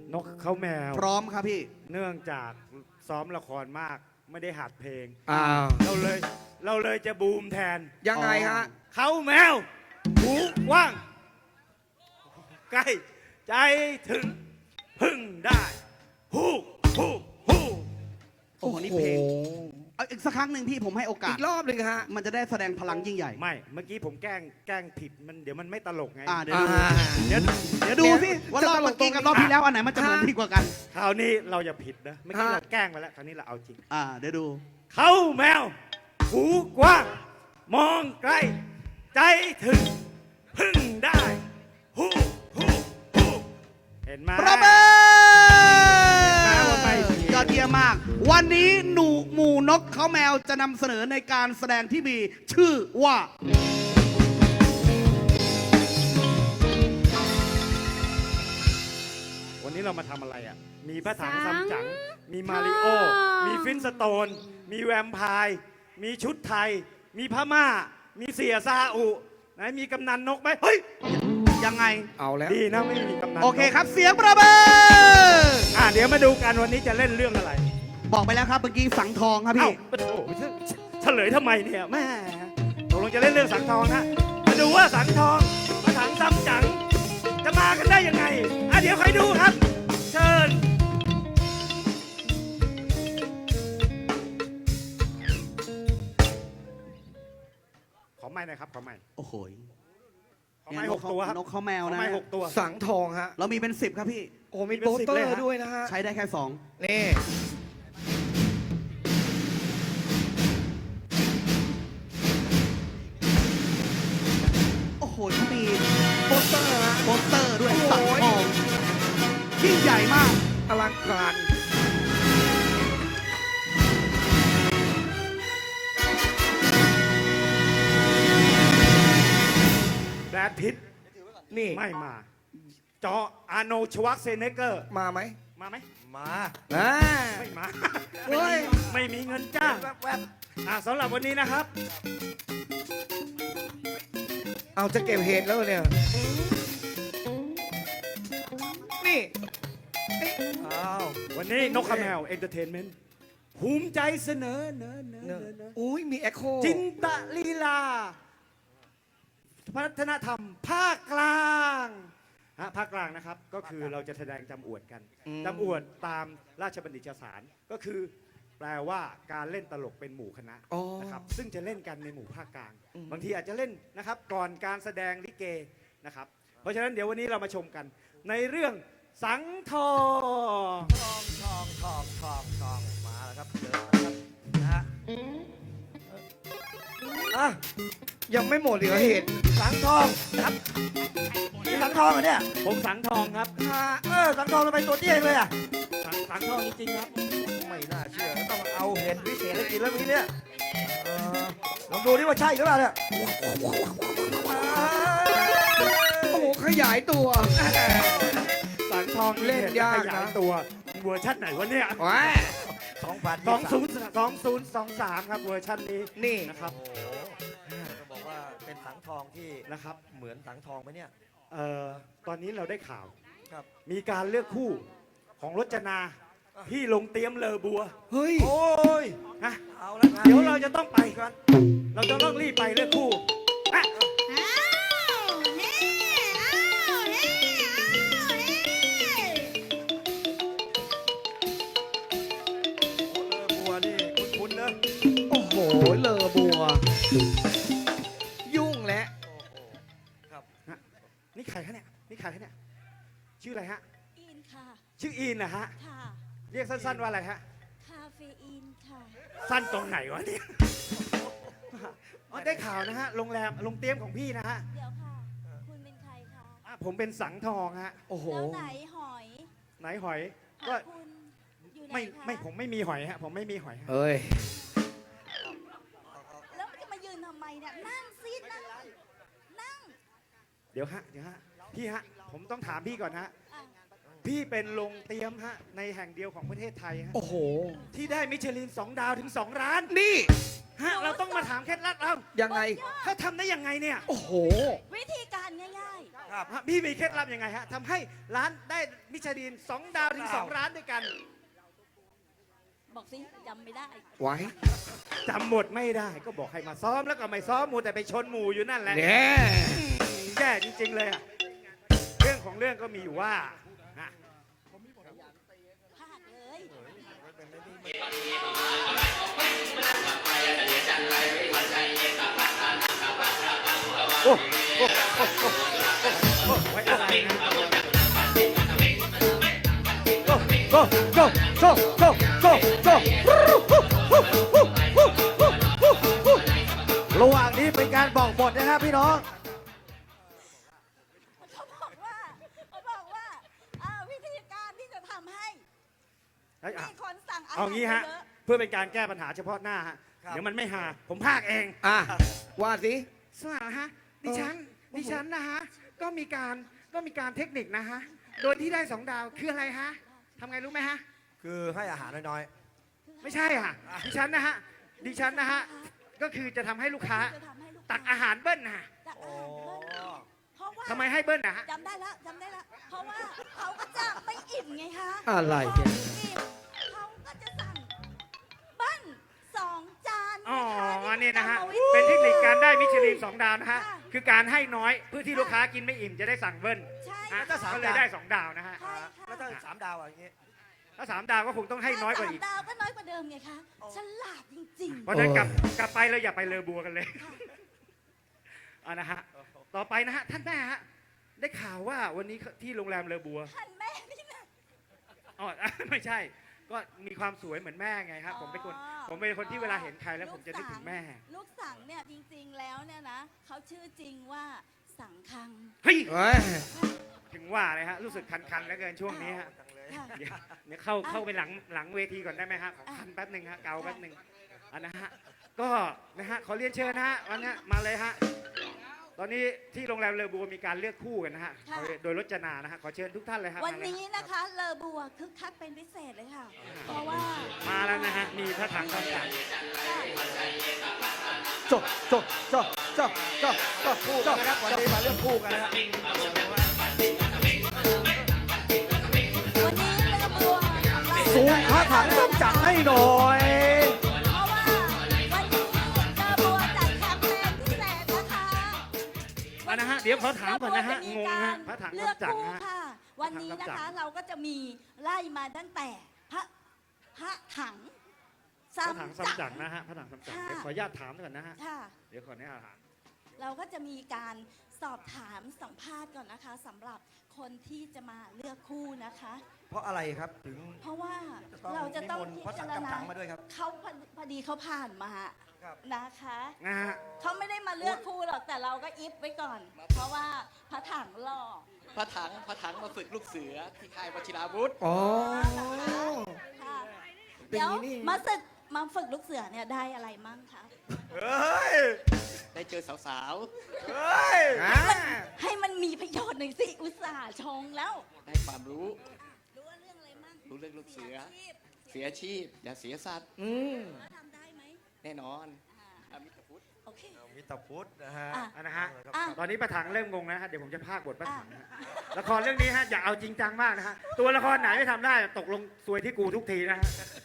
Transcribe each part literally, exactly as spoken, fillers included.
นกเขาแมวพร้อมครับพี่เนื่องจากซ้อมละครมากไม่ได้หัดเพลงอ้าวเราเลยเราเลยจะบูมแทนยังไงฮะเขาแมวหูกว้างใกล้ใจถึงพึ่งได้ฮู้ฮู้ฮู้โอ้โหนี่เพลงเอาอีกสักครั้งหนึ่งพี่ผมให้โอกาอีสกรอบหนึ่งฮะมันจะได้แสดงพลังยิ่งใหญ่ไม่เมื่อกี้ผมแกล้งแกล้งผิดมันเดี๋ยวมันไม่ตลกไงอ่าเดี๋ยวดูอ่าเดี๋ยวเดี๋ยวดูสิว่ารอบเมื่อกี้กับรอบที่แล้วอันไหนมันจะเหมือนดีกว่ากันคราวนี้เราอย่าผิดนะเมื่อกี้ฮะเราแกล้งไปแล้วคราวนี้เราเอาจริงอ่าเดี๋ยวดูเขาแมวหูกว้างมองไกลใจถึงพึ่งได้ฮู้ฮู้ฮู้เห็นไหมประเบิดแม้ว่าไม่ผิดยอดเยี่ยมมาก วันนี้หนูหมู่นกเขาแมวจะนำเสนอในการแสดงที่มีชื่อว่าวันนี้เรามาทำอะไรอ่ะ มีพระถังสัซังมจั๋ง มีมาริโอทองมีฟินสโตน มีแวมไพร์ มีชุดไทย มีพม่า มีเสียซาอุไหนมีกำนันนกไหมเฮ้ยยังไงเอาแล้วดีนะไม่มีกำนันนกโอเคครับเสียงประเบิดอ่ะเดี๋ยวมาดูกันวันนี้จะเล่นเรื่องอะไรบอกไปแล้วครับเมื่อกี้สังทองครับเอ้าพี่ปะโถเฉลยทำไมเนี่ยแม่ตกลงจะเล่นเรื่องสังทองนะมาดูว่าสังทองพระถังซัมจั๋งจะมากันได้ยังไงอ่ะเดี๋ยวใครดูครับ เชิญ ขอไม้หน่อยครับ ขอไม้โอ้โหขอไม้หกตัวครับนกเขาแมวขอนะไม้หกตัวสังทองฮะเรามีเป็นสิบครับพี่โอ้มีเป็นโปสสิบเตอเลยร์ฮะด้วยนะฮะใช้ได้แค่สองนี่โอ้โหเขามีโปสเตอร์ฮะโปสเตอร์ด้วยโอ้โหสังทองยิ่งใหญ่มากอลังการแบรดพิตต์นี่ไม่มา จออาร์โนชวัคเซเนเกอร์มาไหมมาไหม มาอ่าไม่มาเฮ้ยไม่มีเงินจ้างอ่ะสำหรับวันนี้นะครับเอาจะเก็บเห็ดแล้วเนี่ย นี่อ้าว วันนี้นกขแมวเอนเตอร์เทนเมนต์ภูมิใจเสนอเนอเนอเนเนอะอเนออุ้ยมีแอคโคจินตลีลาวัฒนธรรมภาคกลางฮะภาคกลางนะครับ ก็คือเราจะแสดงจำอวดกันอืมจำอวดตามราชบัณฑิตยสารก็คือ แปลว่าการเล่นตลกเป็นหมู่คณะอ๋อนะครับซึ่งจะเล่นกันในหมู่ภาคกลางอืมบางทีอาจจะเล่นนะครับก่อนการแสดงลิเกนะครับ เพราะฉะนั้นเดี๋ยววันนี้เรามาชมกัน ในเรื่องสังทองทองทองทองทองทองมาแล้วครับเจอแล้วครับนะฮะอ่ะยังไม่หมดเหลือเห็ดสังทองนะครับนี่สังทองเหรอเนี่ยผมสังทองครับอ่าเออสังทองทำไมตัวเตี้ยเลยอ่ะสังสังทองจริงๆครับไม่น่าเชื่อต้องเอาเห็ดพิเศษให้กินแล้วมีเนี่ยเออลองดูดิว่าใช่หรือเปล่าเนี่ยโอ้โหขยายตัวสังทองเล่นยากนะขยายตัวเวอร์ชันไหนวะเนี่ยว้าสองพันสองศูนย์สองศูนย์สองสามครับเวอร์ชันนี้นี่นะครับโอ้โหจะบอกว่าเป็นสังทองที่นะครับเหมือนสังทองไหมเนี่ยเอ่อตอนนี้เราได้ข่าวครับมีการเลือกคู่ของรจนาที่ลงเตรียมเลอบัวเฮ้ยโอ้ยนะเอาละงนเดี๋ยวเราจะต้องไปกัน เราจะต้องรีบไปเลือกคู่อ่ะอ้าวเฮ้อ้าวเฮ้อ้าวเฮ้โอ้เลอบัวนี่คุ้นๆเนอะโอ้โห เลอบัว ยุ่งแล้วโอ้โหครับนี่ใครคะเนี่ยนี่ใครคะเนี่ยชื่ออะไรฮะอินค่ะชื่ออีนนะฮะค่ะเรียกสั้นๆว่าอะไรฮะคาเฟอีนค่ะสั้นตรงไหนวะเนี่ยอ๋อได้ข่าวนะฮะโรงแรมโรงเตรียมของพี่นะฮะเดี๋ยวค่ะ คุณเป็นใครคะอ่ะผมเป็นสังทองฮะโอ้โหแล้วไหนหอยไหนหอยขก็องคุณอยู่ไหนไม่คะไม่ผมไม่มีหอยฮะผมไม่มีหอยฮะเฮ้ยแล้วจะมายืนทำไมเนี่ยนั่งซินั่งนั่งเดี๋ยวฮะเดี๋ยวฮะพี่ฮะผมต้องถามพี่ก่อนฮะอ่ะพี่เป็นโรงเตรียมฮะในแห่งเดียวของประเทศไทยฮะโอ้โหที่ได้มิชลินสองดาวถึงสองร้านนี่ฮะเราต้องมาถามเคล็ดลับเรายังไงเขาทำได้ยังไงเนี่ยโอ้โหวิธีการกันง่ายครับฮะพี่มีเคล็ดลับยังไงฮะทำให้ร้านได้มิชลินสองดาวถึงสองร้านด้วยกันๆ บอกสิจำไม่ได้ไว้จำหมดไม่ได้ก็บอกให้มาซ้อมแล้วก็ไม่ซ้อมมูแต่ไปชนหมู่อยู่นั่นแหละเนี่ยแย่จริง ๆ เลยอะเรื่องของเรื่องก็มีอยู่ว่าฮะพลาดเลยโอ้โอ้โอ้โอ้โอ้ไว้อะไรนะโก้โก้โก้โก้โก้โก้โก้ระหว่างนี้เป็นการบอกบทนะครับพี่น้องเขาบอกว่าเขาบอกว่าอ่าวิธีการที่จะทำให้เฮ้ยอ่ะมีคนสั่งอาหารเอางี้ฮะเยอะเพื่อเป็นการแก้ปัญหาเฉพาะหน้าฮะครับเดี๋ยวมันไม่หาผมพากเองอ่ะว่าสิสวัสดีฮะดิฉันดิฉันนะฮะก็มีการก็มีการเทคนิคนะฮะโดยที่ได้สองดาวคืออะไรฮะทำไงรู้ไหมฮะคือให้อาหารน้อยไม่ใช่อ่ะดิฉันนะฮะดิฉันนะฮะก็คือจะทำให้ลูกค้าจะทำให้ลูกตักอาหารเบิ้ลนะฮะตักๆ โอ้อาหารเบิ้ลเพราะว่าทำไมให้เบิ้ลนะฮะจำได้แล้วจำได้แล้วเพราะว่าเขาก็จะไม่อิ่มไงคะอะไรพอเนี่ยไม่อิ่มเขาก็จะสั่งเบิ้ลสองจานอ๋อนะคะนี่นะฮะกรรมวิธีเป็นเทคนิคการได้มิชลินสองดาวนะฮะค่ะคือการให้น้อยเพื่อที่ลูกค้ากินไม่อิ่มจะได้สั่งเบิ้ลใช่อ่ะค่ะก็เลยได้สองดาวนะฮะใช่ค่ะแล้วถ้าสามดาวอะอย่างงี้ถ้าสามดาวก็คงต้องให้น้อยกว่าอีกสมดาวก็น้อยกว่าเดิมไงคะฉลาดจริงเพราะฉะนั้นกลับกลับไปเราอย่าไปเลอบัวกันเลยอ่ะนะฮะต่อไปนะฮะท่านแม่ฮะได้ข่าวว่าวันนี้ที่โรงแรมเลอบัวๆท่านแม่นี่นะอ๋อ ไม่ใช่ ก็มีความสวยเหมือนแม่ไงครับผมเป็นคนอ๋อผมเป็นคนที่เวลาเห็นใครแล้วผมจะนึกถึงแม่ลูกสังเนี่ยจริงๆแล้วเนี่ยนะเขาชื่อจริงว่าสังคังเฮ้ยเฮ้ยถึงว่าเลยฮะรู้สึกคันๆแล้วเกินช่วงนี้ฮะจังเลยค่ะเดี๋ยวเดี๋ยวเข้าเข้าไปหลังหลังเวทีก่อนได้ไหมฮะขอคันแป๊บหนึ่งฮะเกาแป๊บหนึ่งอันนะฮะก็นะฮะขอเรียนเชิญนะฮะวันนี้มาเลยฮะตอนนี้ที่โรงแรมเลอบัวมีการเลือกคู่กันนะฮะค่ะโดยรจนานะฮะขอเชิญทุกท่านเลยฮะวันมาเลยนี้นะคะเลอบัวคึกคักเป็นพิเศษเลยค่ะ เพราะว่ามาแล้วนะฮะมีพระถังคำจัดจบจบจบจบจบจบคู่กันนะครับวันนี้มาเลือกคู่กันนะครับวันนี้เลอบัวของเราสูงพระถังต้องจัดให้หน่อยเพราะว่าวันนี้เลอบัวจัดแคมเปญพิเศษนะคะอันนะฮะเดี๋ยวขอถามก่อนนะฮะเลงบัวงจมีฮะการพระถังเลือกคำจัดคู่นะฮะค่ะ วันนี้นะพระถังคะคำจัดเราก็จะมีไล่มาตั้งแต่พระพระถังพระถังซ้ำคำจัจัดงนะฮะพระถังคำจัดค่ะเดี๋ยวขออนุญาตถามก่อนนะฮะค่ะเดี๋ยวขออนุญาตถามเราก็จะมีการสอบถามสัมภาษณ์ก่อนนะคะสำหรับคนที่จะมาเลือกคู่นะคะเพราะอะไรครับถึงเพราะว่าจะต้องเราจะต้องนิมนต์พิพระจาถังรณาคำจังมาด้วยครับเขาพอพอดีเขาผ่านมาครับนะคะนะฮะเขาไม่ได้มาเลือกคู่หรอกแต่เราก็อิฟไว้ก่อน เพราะว่าพระถังหล่อพระถังพระถังมาฝึกลูกเสือที่ค่ายวชิราวุธอ๋อค่ะเป็นเดี๋ยวอย่างนี้นี่มาฝึกมาฝึกลูกเสือเนี่ยได้อะไรมั่งคะเฮ้ยได้เจอสาวเฮ้ยอ่ะให้มันมีประโยชน์หน่อยสิอุตส่าห์ชงแล้วๆ ได้ความรู้รู้ว่าเรื่องอะไรมั่งรู้เรื่องลูกเสือชีพเสียอาชีพ อย่าเสียสัตว์อืมว่าทำได้ไหมแน่นอนอ่าอามิตรพุทธโอเคมิตรพุทธนะฮะอ่ะอันนะฮะอ่ะตอนนี้ประถังเริ่มงงนะฮะเดี๋ยวผมจะพากย์บทประถังนะฮะละครเรื่องนี้ฮะอย่าเอาจริงจังมากนะฮะตัวละครไหนไม่ทำได้ตกลงซวยที่กูทุกทีนะฮะ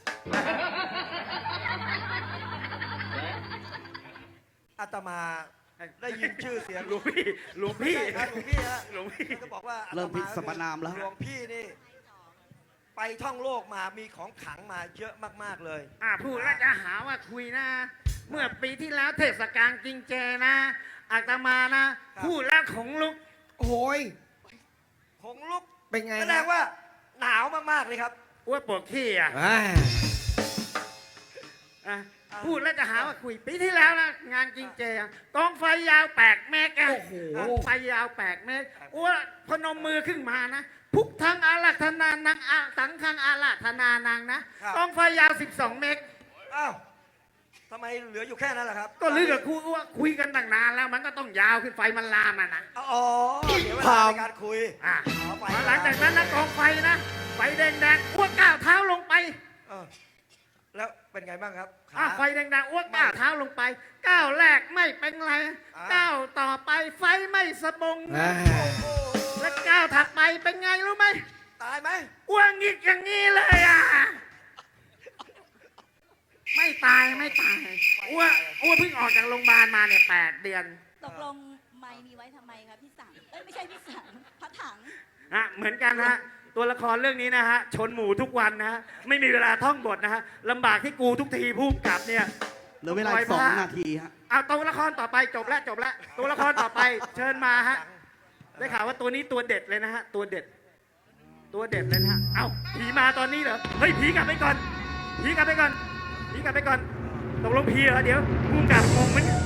อาตมาได้ยินชื่อเสียงหลวงพี่หลวงพี่ใช่ครับหลวงพี่ฮะหลวงพี่ก็บอกว่าอาตเริ่มผิดสมนามแล้วหลวงพี่นี่ ไปท่องโลกมามีของขลังมาเยอะมากๆเลยอ่าพูดแล้วจะหาว่าคุยนะ เมื่อปีที่แล้วเทศกาลกินเจนะอาตมานะครับพูดแล้วขงลุกโอ้ยขงลุกเป็นไงแสดนะงว่าหนาวมากๆเลยครับอ้วปวดขี้อ่ะอ่าอ่ะพูดแล้วจะหาว่าคุยปีที่แล้วนะงานกินเจอะกองไฟยาวแปดเมตรอะโอ้โหกองไฟยาวแปดเมตรอ้วพนมมือขึ้นมานะพุกทั้งอาราธนานังอาสังฆังอาราธนานังนะครับ กองไฟยาวสิบสองเมตรอ้าวทำไมเหลืออยู่แค่นั้นล่ะครับก็ลือกับครูว่าคุยกันตั้งนานแล้วมันก็ต้องยาวขึ้นไฟมันลามอ่ะนะอ๋อเดี๋ยวเวลาในการคุยอ่ะอ๋อไปหลังจากนั้นนะกองไฟนะไฟแดงๆอ้วก้าวเท้าลงไปเออแล้วเป็นไงบ้างครับขาอ่ะไฟแดงๆอ้วกก้าวเท้าลงไปก้าวแรกไม่เป็นไรอ่าก้าวต่อไปไฟไม่สะบงอ่าและก้าวถัดไปเป็นไงรู้ไหมตายไหมอ้วงอีกอย่างนี้เลยอ่ะไม่ตายไม่ตายอ้วอ้วเพิ่งออกจากโรงพยาบาลมาเนี่ยแปดเดือนตกลงไม่มีไว้ทำไมคะพี่สังเอ้ยไม่ใช่พี่สังพระถังฮะเหมือนกันฮะตัวละครเรื่องนี้นะฮะชนหมูทุกวันนะฮะไม่มีเวลาท่องบทนะฮะลำบากที่กูทุกทีพุ่มกลับเนี่ยเหลือเวลาอีกสองนาทีฮะเอาตัวละครต่อไปจบแล้วจบแล้วตัวละครต่อไปเชิญมาฮะได้ข่าวว่าตัวนี้ตัวเด็ดเลยนะฮะตัวเด็ด ตัวเด็ดเลยนะฮะเอ้าผีมาตอนนี้เหรอเฮ้ยผีกลับไปก่อนผีกลับไปก่อนผีกลับไปก่อนตกลงผีเหรอเดี๋ยวพุ่มกลับงงมัน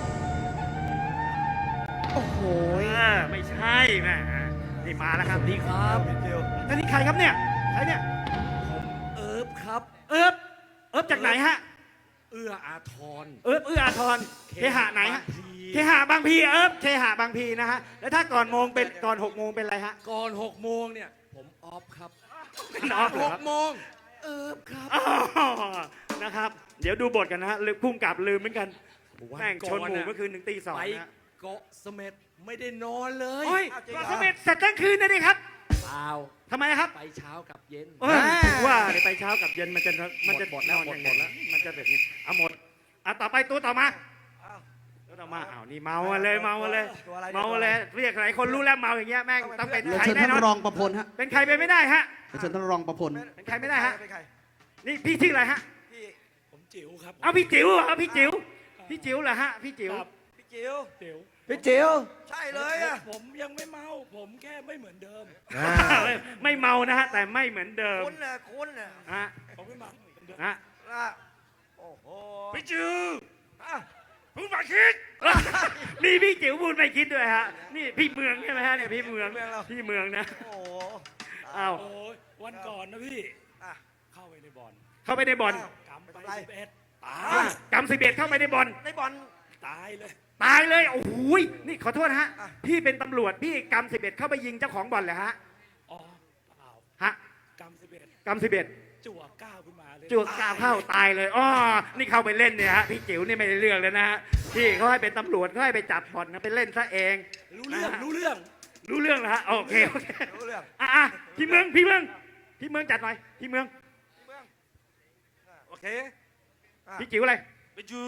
โอ้โหเออไม่ใช่แม่นี่มาแล้วครับดีครับพี่เดียวท่านนี่ใครครับเนี่ยใครเนี่ยเอิบครับเอิบเอิบจากไหนฮะเอื้ออาทรเอิบเอื้ออาทรเคหะไหนฮะบางพลีเคหะบางพีเอิบเคหะบางพีนะฮะแล้วถ้าก่อนโมงเป็นก่อนหกโมงเป็นอะไรฮะก่อนหกโมงเนี่ย ผมออฟครับเป็นออฟเหรหอก ครับโมงเอิบครับอ๋อนะครับ เดี๋ยวดูบทกันนะฮะลืมพุ่มกลับลืมเหมือนกันวันแม่งชนหมูก่อนน่ะเมื่อคืนถึงตีสองไปนะฮะเกาะเสม็ดไม่ได้นอนเลยโอ้ยอ้าวจริงเกาะเหรอเสม็ดเสร็จทั้งคืนนะดิครับเปล่าทำไมครับไปเช้ากับเย็นเออว่าเดี๋ยวไปเช้ากับเย็นมันจะมันจะหมดแล้วนอนหมดอย่างหมดแล้วมันจะแบบนี้เอาหมดอ่ะต่อไปตัวต่อมาอ้าวตัวต่อมาอ้าวนี่เมามาเลยเมามาเลยตัวอะไรเมามาเลยเรียกหลายคนรู้แล้วเมาอย่างเงี้ยแม่งต้องเป็นเรียนใครเชิญแน่ท่านนอนรองประพลฮะเป็นใครไปไม่ได้ฮะเรียนเชิญท่านรองประพลเป็นใครไม่ได้ฮะเป็นใครนี่พี่ชื่ออะไรฮะพี่ผมจิ๋วครับเอาพี่จิ๋วเหรอพี่จิ๋วพี่จิ๋วเหรอฮะพี่จิ๋วพี่จิ๋วจิ๋วพี่จิ๋วใช่เลยอ่ะผมยังไม่เมา ผมแค่ไม่เหมือนเดิมไม่ไม่เมานะฮะแต่ไม่เหมือนเดิมคุณน่ะคุณน่ะฮะผมไม่เมาเหมือนเดิมฮะอ่ะโอ้โหพี่จิ๋วอ่ะเพิ่งมาคิด มีพี่จิ๋วพูดไม่คิดด้วยฮะนี่พี่เมืองใช่ไหมฮะเนี่ยพี่เมืองพี่เมืองนะโอ้โหอ้าวโอ้ยวันก่อนนะพี่อ่ะเข้าไปในบ่อนเข้าไปในบ่อนอ้าวกำไปไม่เป็นไรสิบเอ็ดตาอ่ะยกำสิบเอ็ดเข้าไปในบ่อนในบอลตายเลยตายเลย โอ้โหยนี่ขอโทษนะฮะอ่ะพี่เป็นตำรวจ พี่กำสิบเอ็ดเข้าไปยิงเจ้าของบ่อนเลยฮะอ๋อเปล่าฮะกำสิบเอ็ดกำสิบเอ็ดจั่วก้าวขึ้นมาเลยจวกกาวเข้าตายเลยอ๋อนี่เข้าไปเล่นเนี่ยฮะ พี่จิ๋วนี่ไม่ได้เรื่องเลยนะฮะ พี่เขาให้เป็นตำรวจเขาให้ไปจับบ่อนนะไปเล่นซะเองรู้เรื่อง รู้เรื่องรู้เรื่องแล้วฮะ โอเค โอเครู้เรื่องอ่ะอ่ะพี่เมือง พี่เมือง พี่เมืองจัดหน่อย พี่เมืองโอเคอ่ะพี่จิ๋วอะไรพี่จู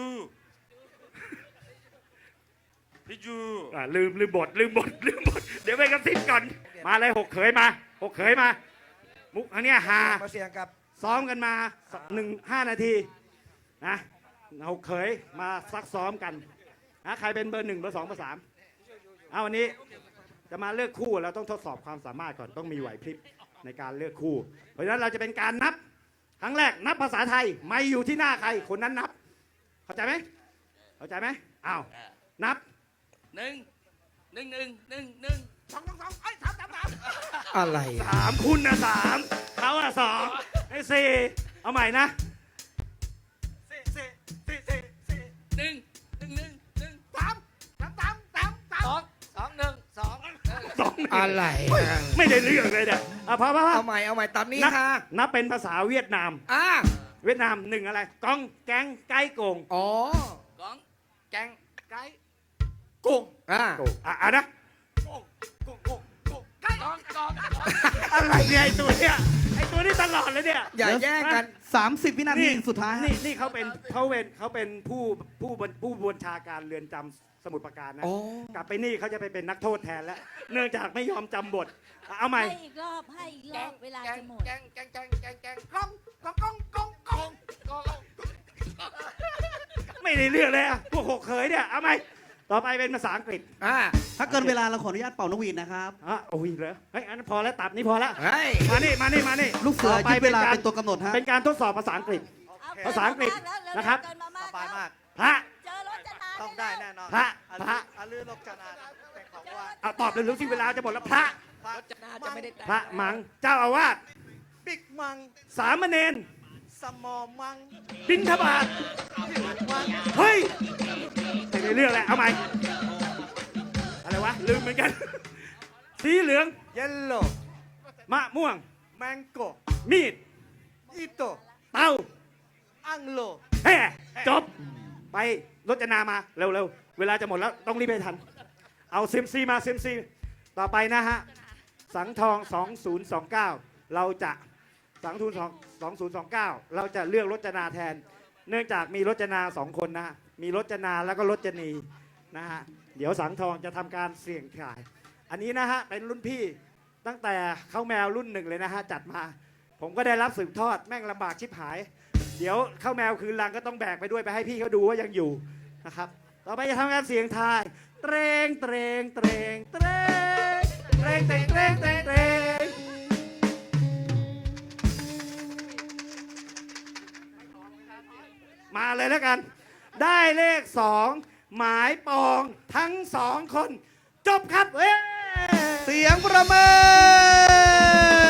พี่จูอ่ะลืมลืมบทลืมบทลืมบท เดี๋ยวไปกระซิบก่อน มาเลยหกเขยมาหกเขยมา มุกอันเนี้ยฮามาเสี่ยงกับซ้อมกันมาหนึ่งห้านาทีนะเอาเคยมาซักซ้อมกันนะใครเป็นเบอร์หนึ่งเบอร์สองเบอร์สามเอาวันนี้จะมาเลือกคู่เราต้องทดสอบความสามารถก่อนต้องมีไหวพริบในการเลือกคู่ เพราะฉะนั้นเราจะเป็นการนับครั้งแรกนับภาษาไทยไม่อยู่ที่หน้าใครคนนั้นนับ เข้าใจไหมเข้าใจไหมอ้าวนับหนึ่งหนึ่งหนึ่งหนึ่งหนึ่งสองสองสองไอ้ยสามสามสามอะไรอ่ะสามคุณนะสามเขาอะสองไอ้สี่เอาใหม่นะสี่สี่สี่สี่สี่หนึ่งหนึ่งหนึ่งหนึ่งสามสามสามสามสามสองสองหนึ่งสองสองหนึ่งอะไรอ่ะไม่ได้เรื่องเลยเนี่ยอ่ะพอพอพอเอาใหม่เอาใหม่ตามนี้นับค่ะนับเป็นภาษาเวียดนามอ่ะเวียดนามหนึ่งอะไรกองแกงไก่โกงอ๋อกองแกงไก่กุ้งอ่ะโกงอ่ะอ่ะนะกุ้งกุ้งกุ้งกุ้งไก่กองกองกองอะไรเนี่ยไอตัวเนี่ยไอตัวนี้ตลอดเลยเนี่ยอย่าแย่งกันสามสิบวินาทีสุดท้ายฮะนี่นี่เขาเป็นเขาเป็นเขาเป็นผู้ผู้บัญผู้บัญชาการเรือนจำสมุทรปราการนะอ๋อกลับไปนี่เขาจะไปเป็นนักโทษแทนแล้ว เนื่องจากไม่ยอมจำบทอ่ะเอาใหม่ให้อีกรอบให้อีกรอบเวลาจะหมดแกงแกงแกงแกงแกงกองกองกองกองกองกองไม่ได้เรื่องเลยอ่ะพวกหกเขยเนี่ยเอาใหม่ต่อไปเป็นภาษาอังกฤษอ่ะถ้าเกินเวลาเราขออนุญาตเป่านกหวีดนะครับอ่ะโอ้ยเหรอเฮ้ยอันนั้นพอแล้วตับนี้พอแล้วเฮ้ยมานี่มานี่มานี่ลูกเสือต่ไปยึดเวลาการเป็นตัวกำหนดฮะเป็นการทดสอบภาษาอังกฤษเภาษาอังกฤษเกิแล้วนะครับเกินมามากสบายมากพระเจอรถจะนานต้องได้แน่นอนพระพระอาลือลกจนาเป็นของว่าเอาตอบเร็วๆที่เวลาจะหมดแล้วพระรถจะน่าจะไม่ได้แต่งพระมังเจ้าอาวาสบิ๊กมังสามเณรสมอมังบิณฑบาตเฮ้ยไม่ได้เรื่องแหละเอาใหม่อะไรวะลืมเหมือนกัน สีเหลืองเยลโล่มะม่วงแมงโกมีดอิโตเตาออังโลแฮ่จบ ไปรจนามาเร็วๆ เวลาจะหมดแล้วต้องรีบไปทัน เอาเซมซีมาเซมซีต่อไปนะฮะ สังทอง สองศูนย์สองเก้า เราจะสังทุนสองศูนย์สองเก้า เราจะเลือกรจนาแทน เนื่องจากมีรจนาสองคนนะฮะมีรจนาแล้วก็รจนีนะฮะเดี๋ยวสังทองจะทำการเสี่ยงทาย อันนี้นะฮะเป็นรุ่นพี่ตั้งแต่เข้าแมวรุ่นหนึ่งเลยนะฮะจัดมา ผมก็ได้รับสืบทอดแม่งลำบากชิบหาย เดี๋ยวเข้าแมวคืนลังก็ต้องแบกไปด้วยไปให้พี่เขาดูว่ายังอยู่นะครับ ต่อไปจะทำการเสียงทายเตรงเตรงเตรงเตรงเตรงเตรงเตรงเตรงเตรงมาเลยแล้วกัน ได้เลขสองหมายปองทั้งสองคน จบครับเอ้ยเสียงประเมิน